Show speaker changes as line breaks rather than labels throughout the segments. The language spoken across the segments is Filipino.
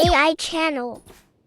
AI channel.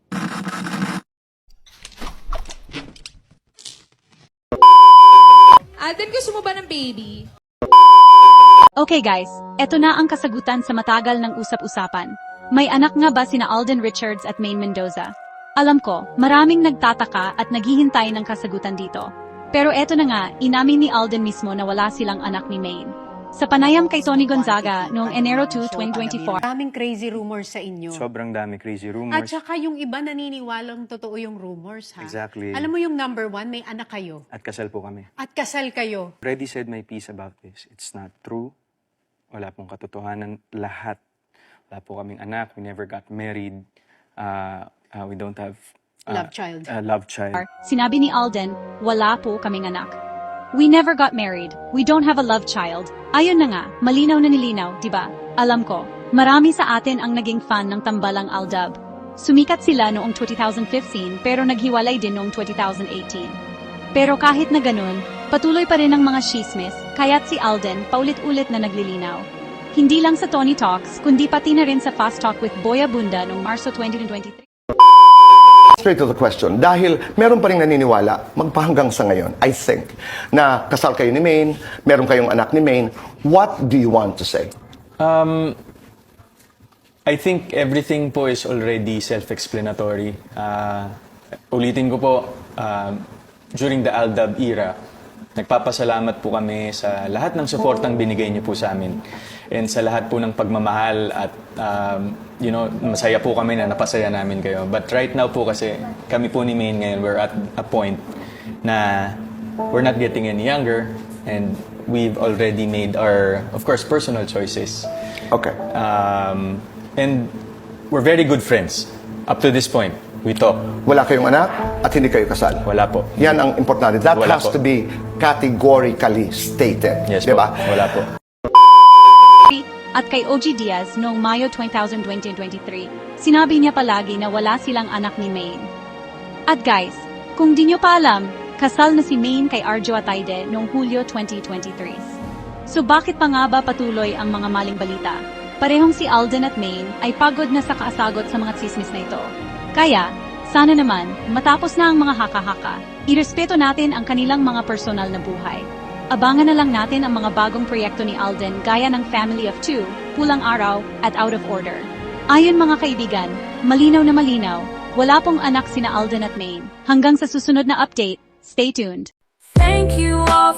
Alden, gusto mo ba ng baby?
Okay guys, eto na ang kasagutan sa matagal ng usap-usapan. May anak nga ba sina Alden Richards at Maine Mendoza? Alam ko, maraming nagtataka at naghihintay ng kasagutan dito. Pero eto na nga, inamin ni Alden mismo na wala silang anak ni Maine. Sa panayam kay Tony Gonzaga noong Enero 2, 2024.
Daming crazy rumors sa inyo.
Sobrang dami crazy
At
rumors.
saka yung iba naniniwalang totoo yung rumors, ha?
Exactly.
Alam mo yung number one, may anak kayo.
At kasal po kami.
At kasal kayo.
Already said my piece about this. It's not true. Wala pong katotohanan lahat. Wala po kaming anak. We never got married. We don't have
Love child.
Love child.
Sinabi ni Alden, wala po kaming anak. We never got married. We don't have a love child. Ayun na nga, malinaw na nilinaw, di ba? Alam ko, marami sa atin ang naging fan ng tambalang Aldab. Sumikat sila noong 2015 pero naghiwalay din noong 2018. Pero kahit na ganun, patuloy pa rin ang mga chismis, kaya't si Alden paulit-ulit na naglilinaw. Hindi lang sa Tony Talks, kundi pati na rin sa Fast Talk with Boy Abunda noong Marso 2023.
Straight to the question, dahil meron pa rin naniniwala, magpahanggang sa ngayon, I think, na kasal kayo ni Maine, meron kayong anak ni Maine, what do you want to say?
I think everything po is already self-explanatory. Ulitin ko po, during the Aldab era, nagpapasalamat po kami sa lahat ng suportang binigay niyo po sa amin. And sa lahat po ng pagmamahal at masaya po kami na napasaya namin kayo. But right now po kasi kami po ni Maine ngayon, we're at a point na we're not getting any younger and we've already made our, of course, personal choices.
Okay.
And we're very good friends up to this point. We talk.
Wala kayong anak at hindi kayo kasal.
Wala po.
Yan ang importante. That
Wala
has
po.
to be categorically stated.
Yes
Di
po.
ba?
Wala po.
At kay OG Diaz noong Mayo 2023, sinabi niya palagi na wala silang anak ni Maine. At guys, kung di nyo pa alam, kasal na si Maine kay Arjo Ataide noong Hulyo 2023. So bakit pa nga ba patuloy ang mga maling balita? Parehong si Alden at Maine ay pagod na sa kaasagot sa mga tsismis na ito. Kaya, sana naman, matapos na ang mga haka-haka, irespeto natin ang kanilang mga personal na buhay. Abangan na lang natin ang mga bagong proyekto ni Alden gaya ng Family of Two, Pulang Araw, at Out of Order. Ayon mga kaibigan, malinaw na malinaw, wala pong anak sina Alden at Maine. Hanggang sa susunod na update, stay tuned.
Thank you all